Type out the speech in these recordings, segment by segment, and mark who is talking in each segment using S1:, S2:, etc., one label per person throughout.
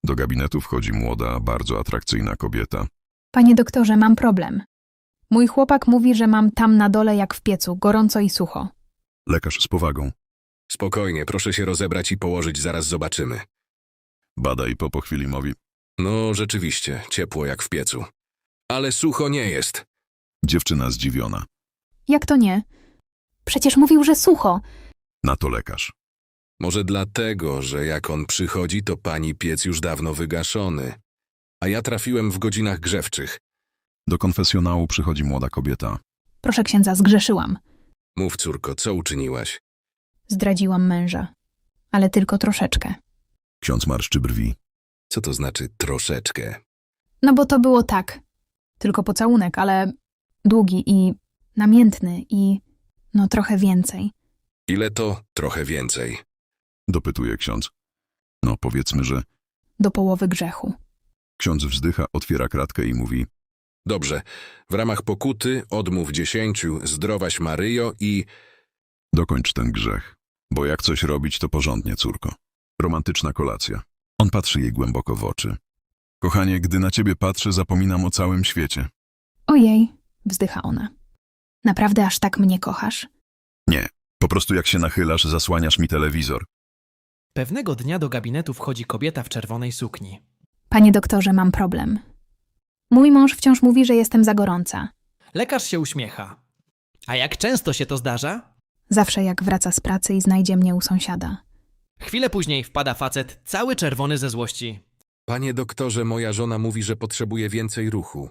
S1: Do gabinetu wchodzi młoda, bardzo atrakcyjna kobieta.
S2: Panie doktorze, mam problem. Mój chłopak mówi, że mam tam na dole jak w piecu, gorąco i sucho.
S1: Lekarz z powagą.
S3: Spokojnie, proszę się rozebrać i położyć, zaraz zobaczymy.
S1: Bada i po chwili mówi.
S3: No, rzeczywiście, ciepło jak w piecu. Ale sucho nie jest.
S1: Dziewczyna zdziwiona.
S2: Jak to nie? Przecież mówił, że sucho.
S1: Na to lekarz.
S3: Może dlatego, że jak on przychodzi, to pani piec już dawno wygaszony. A ja trafiłem w godzinach grzewczych.
S1: Do konfesjonału przychodzi młoda kobieta.
S2: Proszę księdza, zgrzeszyłam.
S3: Mów, córko, co uczyniłaś?
S2: Zdradziłam męża. Ale tylko troszeczkę.
S1: Ksiądz marszczy brwi.
S3: Co to znaczy troszeczkę?
S2: No bo to było tak. Tylko pocałunek, ale długi i namiętny i no trochę więcej.
S3: Ile to? Trochę więcej.
S1: Dopytuje ksiądz. No powiedzmy, że...
S2: Do połowy grzechu.
S1: Ksiądz wzdycha, otwiera kratkę i mówi.
S3: Dobrze, w ramach pokuty odmów 10, zdrowaś Maryjo i...
S1: Dokończ ten grzech. Bo jak coś robić, to porządnie, córko. Romantyczna kolacja. On patrzy jej głęboko w oczy. Kochanie, gdy na ciebie patrzę, zapominam o całym świecie.
S2: Ojej, wzdycha ona. Naprawdę aż tak mnie kochasz?
S1: Nie, po prostu jak się nachylasz, zasłaniasz mi telewizor.
S4: Pewnego dnia do gabinetu wchodzi kobieta w czerwonej sukni.
S2: Panie doktorze, mam problem. Mój mąż wciąż mówi, że jestem za gorąca.
S4: Lekarz się uśmiecha. A jak często się to zdarza?
S2: Zawsze jak wraca z pracy i znajdzie mnie u sąsiada.
S4: Chwilę później wpada facet, cały czerwony ze złości.
S3: Panie doktorze, moja żona mówi, że potrzebuje więcej ruchu.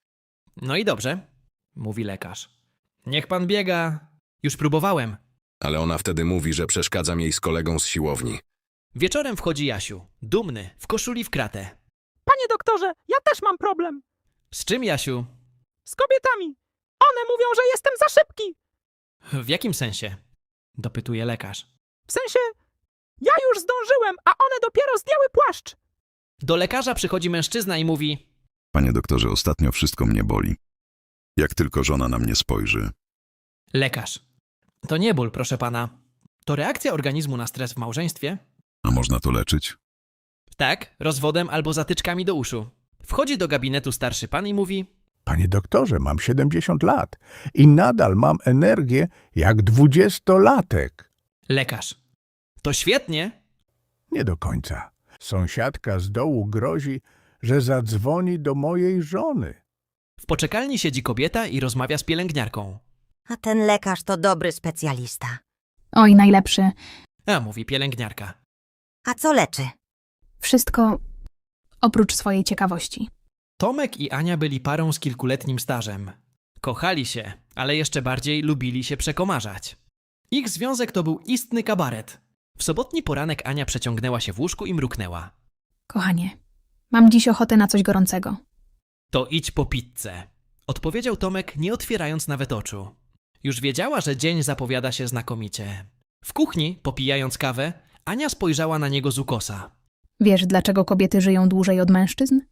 S4: No i dobrze, mówi lekarz. Niech pan biega. Już próbowałem.
S3: Ale ona wtedy mówi, że przeszkadzam jej z kolegą z siłowni.
S4: Wieczorem wchodzi Jasiu, dumny, w koszuli w kratę.
S5: Panie doktorze, ja też mam problem.
S4: Z czym, Jasiu?
S5: Z kobietami. One mówią, że jestem za szybki.
S4: W jakim sensie? Dopytuje lekarz.
S5: W sensie, ja już zdążyłem, a one dopiero zdjęły płaszcz.
S4: Do lekarza przychodzi mężczyzna i mówi:
S1: Panie doktorze, ostatnio wszystko mnie boli. Jak tylko żona na mnie spojrzy.
S4: Lekarz. To nie ból, proszę pana. To reakcja organizmu na stres w małżeństwie?
S1: A można to leczyć?
S4: Tak, rozwodem albo zatyczkami do uszu. Wchodzi do gabinetu starszy pan i mówi:
S6: Panie doktorze, mam 70 lat i nadal mam energię jak 20-latek.
S4: Lekarz. To świetnie.
S6: Nie do końca. Sąsiadka z dołu grozi, że zadzwoni do mojej żony.
S4: W poczekalni siedzi kobieta i rozmawia z pielęgniarką.
S7: A ten lekarz to dobry specjalista.
S2: Oj, najlepszy.
S4: A, mówi pielęgniarka.
S7: A co leczy?
S2: Wszystko oprócz swojej ciekawości.
S4: Tomek i Ania byli parą z kilkuletnim stażem. Kochali się, ale jeszcze bardziej lubili się przekomarzać. Ich związek to był istny kabaret. W sobotni poranek Ania przeciągnęła się w łóżku i mruknęła.
S2: Kochanie, mam dziś ochotę na coś gorącego.
S4: To idź po pizzę, odpowiedział Tomek, nie otwierając nawet oczu. Już wiedziała, że dzień zapowiada się znakomicie. W kuchni, popijając kawę, Ania spojrzała na niego z ukosa.
S2: Wiesz, dlaczego kobiety żyją dłużej od mężczyzn?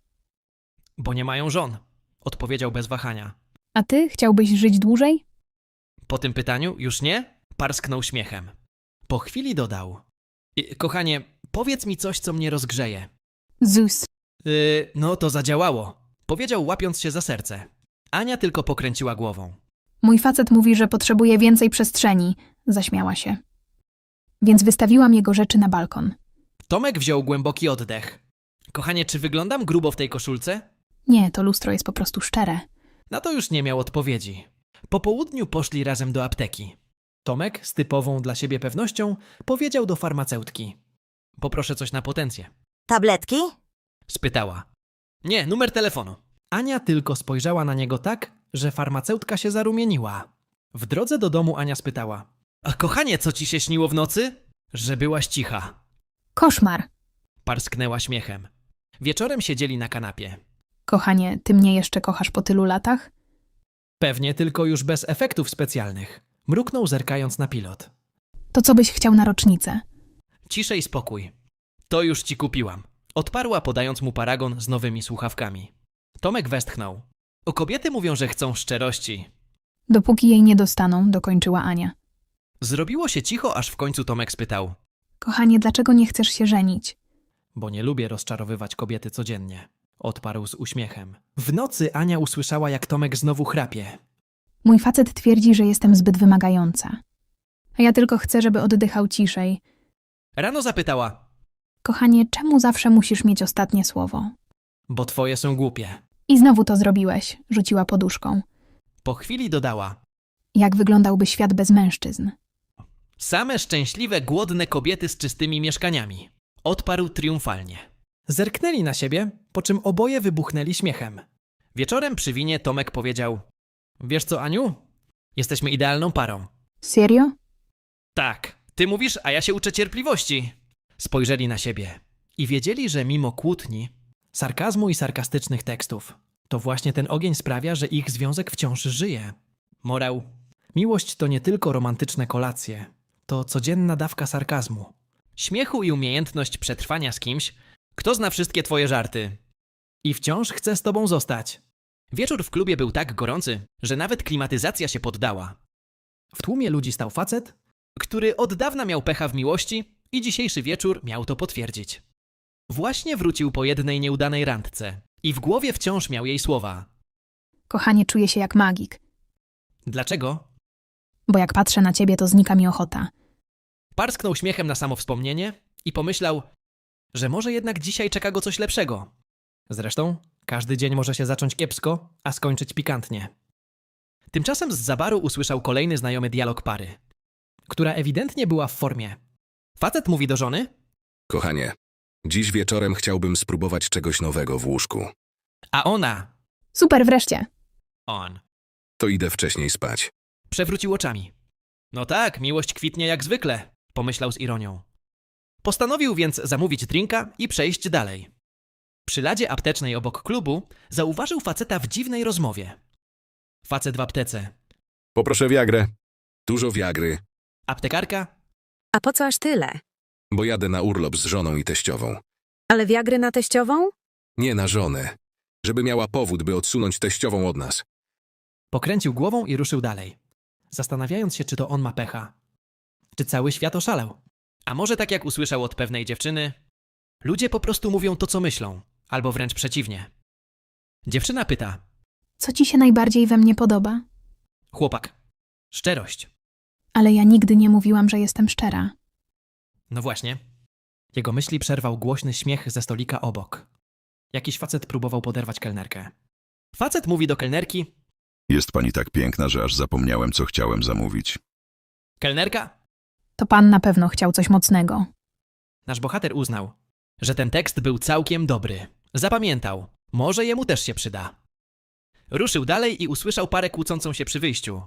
S4: Bo nie mają żon, odpowiedział bez wahania.
S2: A ty chciałbyś żyć dłużej?
S4: Po tym pytaniu już nie? Parsknął śmiechem. Po chwili dodał: Kochanie, powiedz mi coś, co mnie rozgrzeje.
S2: Zus.
S4: No to zadziałało, powiedział, łapiąc się za serce. Ania tylko pokręciła głową.
S2: Mój facet mówi, że potrzebuje więcej przestrzeni. Zaśmiała się. Więc wystawiłam jego rzeczy na balkon.
S4: Tomek wziął głęboki oddech. Kochanie, czy wyglądam grubo w tej koszulce?
S2: Nie, to lustro jest po prostu szczere.
S4: Na to już nie miał odpowiedzi. Po południu poszli razem do apteki. Tomek, z typową dla siebie pewnością, powiedział do farmaceutki: Poproszę coś na potencję.
S7: Tabletki?
S4: Spytała. Nie, numer telefonu. Ania tylko spojrzała na niego tak, że farmaceutka się zarumieniła. W drodze do domu Ania spytała: A kochanie, co ci się śniło w nocy? Że byłaś cicha.
S2: Koszmar.
S4: Parsknęła śmiechem. Wieczorem siedzieli na kanapie.
S2: Kochanie, ty mnie jeszcze kochasz po tylu latach?
S4: Pewnie tylko już bez efektów specjalnych. Mruknął, zerkając na pilot.
S2: To co byś chciał na rocznicę?
S4: Ciszej spokój. To już ci kupiłam. Odparła, podając mu paragon z nowymi słuchawkami. Tomek westchnął. O, kobiety mówią, że chcą szczerości.
S2: Dopóki jej nie dostaną, dokończyła Ania.
S4: Zrobiło się cicho, aż w końcu Tomek spytał:
S2: Kochanie, dlaczego nie chcesz się żenić?
S4: bo nie lubię rozczarowywać kobiety codziennie. Odparł z uśmiechem. W nocy Ania usłyszała, jak Tomek znowu chrapie.
S2: Mój facet twierdzi, że jestem zbyt wymagająca. A ja tylko chcę, żeby oddychał ciszej.
S4: Rano zapytała,
S2: Kochanie, czemu zawsze musisz mieć ostatnie słowo?
S4: bo twoje są głupie.
S2: I znowu to zrobiłeś, rzuciła poduszką.
S4: Po chwili dodała,
S2: Jak wyglądałby świat bez mężczyzn?
S4: same szczęśliwe, głodne kobiety z czystymi mieszkaniami. Odparł triumfalnie. Zerknęli na siebie, po czym oboje wybuchnęli śmiechem. Wieczorem przy winie Tomek powiedział, wiesz co, Aniu? Jesteśmy idealną parą.
S2: Serio?
S4: Tak, ty mówisz, a ja się uczę cierpliwości. Spojrzeli na siebie i wiedzieli, że mimo kłótni, sarkazmu i sarkastycznych tekstów, to właśnie ten ogień sprawia, że ich związek wciąż żyje. Morał. Miłość to nie tylko romantyczne kolacje, to codzienna dawka sarkazmu, śmiechu i umiejętność przetrwania z kimś, kto zna wszystkie twoje żarty. I wciąż chce z tobą zostać. Wieczór w klubie był tak gorący, że nawet klimatyzacja się poddała. W tłumie ludzi stał facet, który od dawna miał pecha w miłości i dzisiejszy wieczór miał to potwierdzić. Właśnie wrócił po jednej nieudanej randce i w głowie wciąż miał jej słowa.
S2: Kochanie, czuję się jak magik.
S4: Dlaczego?
S2: Bo jak patrzę na ciebie, to znika mi ochota.
S4: Parsknął śmiechem na samo wspomnienie i pomyślał, że może jednak dzisiaj czeka go coś lepszego. Zresztą każdy dzień może się zacząć kiepsko, a skończyć pikantnie. Tymczasem zza baru usłyszał kolejny znajomy dialog pary, która ewidentnie była w formie. Facet mówi do żony,
S3: Kochanie, dziś wieczorem chciałbym spróbować czegoś nowego w łóżku.
S4: a ona,
S2: Super, wreszcie.
S4: on,
S3: To idę wcześniej spać.
S4: przewrócił oczami. No tak, miłość kwitnie jak zwykle, pomyślał z ironią. Postanowił więc zamówić drinka i przejść dalej. Przy ladzie aptecznej obok klubu zauważył faceta w dziwnej rozmowie. Facet w aptece.
S3: Poproszę wiagrę. Dużo wiagry,
S4: Aptekarka?
S8: A po co aż tyle?
S3: bo jadę na urlop z żoną i teściową.
S8: Ale wiagry na teściową?
S3: Nie na żonę. Żeby miała powód, by odsunąć teściową od nas.
S4: Pokręcił głową i ruszył dalej, zastanawiając się, czy to on ma pecha. Czy cały świat oszalał? A może tak jak usłyszał od pewnej dziewczyny, ludzie po prostu mówią to, co myślą, albo wręcz przeciwnie. Dziewczyna pyta,
S2: Co ci się najbardziej we mnie podoba?
S4: chłopak, szczerość.
S2: Ale ja nigdy nie mówiłam, że jestem szczera.
S4: No właśnie. Jego myśli przerwał głośny śmiech ze stolika obok. Jakiś facet próbował poderwać kelnerkę. Facet mówi do kelnerki,
S1: Jest pani tak piękna, że aż zapomniałem, co chciałem zamówić.
S4: kelnerka?
S2: To pan na pewno chciał coś mocnego.
S4: Nasz bohater uznał, że ten tekst był całkiem dobry. Zapamiętał, może jemu też się przyda. Ruszył dalej i usłyszał parę kłócącą się przy wyjściu.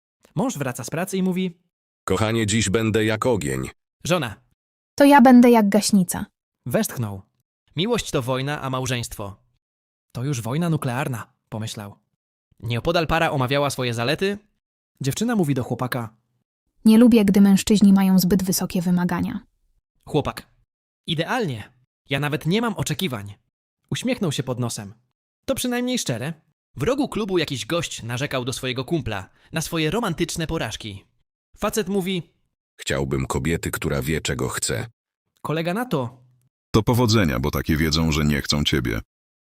S4: Mąż wraca z pracy i mówi,
S3: Kochanie, dziś będę jak ogień.
S4: żona,
S2: To ja będę jak gaśnica.
S4: westchnął. Miłość to wojna, a małżeństwo to już wojna nuklearna, pomyślał. Nieopodal para omawiała swoje zalety. Dziewczyna mówi do chłopaka,
S2: Nie lubię, gdy mężczyźni mają zbyt wysokie wymagania.
S4: chłopak, idealnie, ja nawet nie mam oczekiwań. Uśmiechnął się pod nosem. To przynajmniej szczere. W rogu klubu jakiś gość narzekał do swojego kumpla na swoje romantyczne porażki. Facet mówi,
S3: Chciałbym kobiety, która wie, czego chce.
S4: kolega na to.
S1: To powodzenia, bo takie wiedzą, że nie chcą ciebie.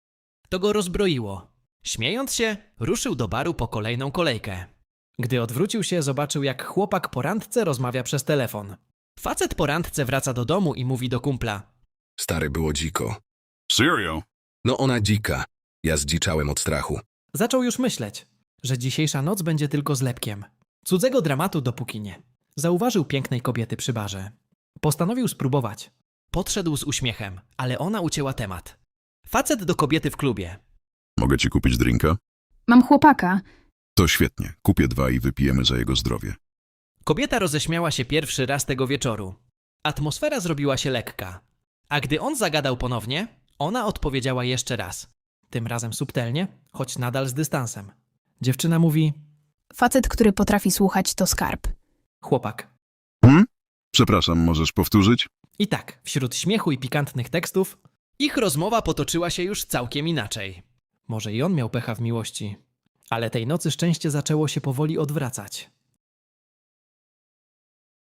S4: To go rozbroiło. Śmiejąc się, ruszył do baru po kolejną kolejkę. Gdy odwrócił się, zobaczył, jak chłopak po randce rozmawia przez telefon. Facet po randce wraca do domu i mówi do kumpla.
S3: Stary, było dziko.
S1: Serio?
S3: No ona dzika. Ja zdziczałem od strachu.
S4: Zaczął już myśleć, że dzisiejsza noc będzie tylko zlepkiem. Cudzego dramatu dopóki nie. Zauważył pięknej kobiety przy barze. Postanowił spróbować. Podszedł z uśmiechem, ale ona ucięła temat. Facet do kobiety w klubie.
S1: Mogę ci kupić drinka?
S2: Mam chłopaka.
S1: To świetnie. Kupię 2 i wypijemy za jego zdrowie.
S4: Kobieta roześmiała się pierwszy raz tego wieczoru. Atmosfera zrobiła się lekka. A gdy on zagadał ponownie, ona odpowiedziała jeszcze raz. Tym razem subtelnie, choć nadal z dystansem. Dziewczyna mówi,
S2: Facet, który potrafi słuchać, to skarb.
S4: chłopak.
S1: Przepraszam, możesz powtórzyć?
S4: I tak, wśród śmiechu i pikantnych tekstów, ich rozmowa potoczyła się już całkiem inaczej. Może i on miał pecha w miłości, ale tej nocy szczęście zaczęło się powoli odwracać.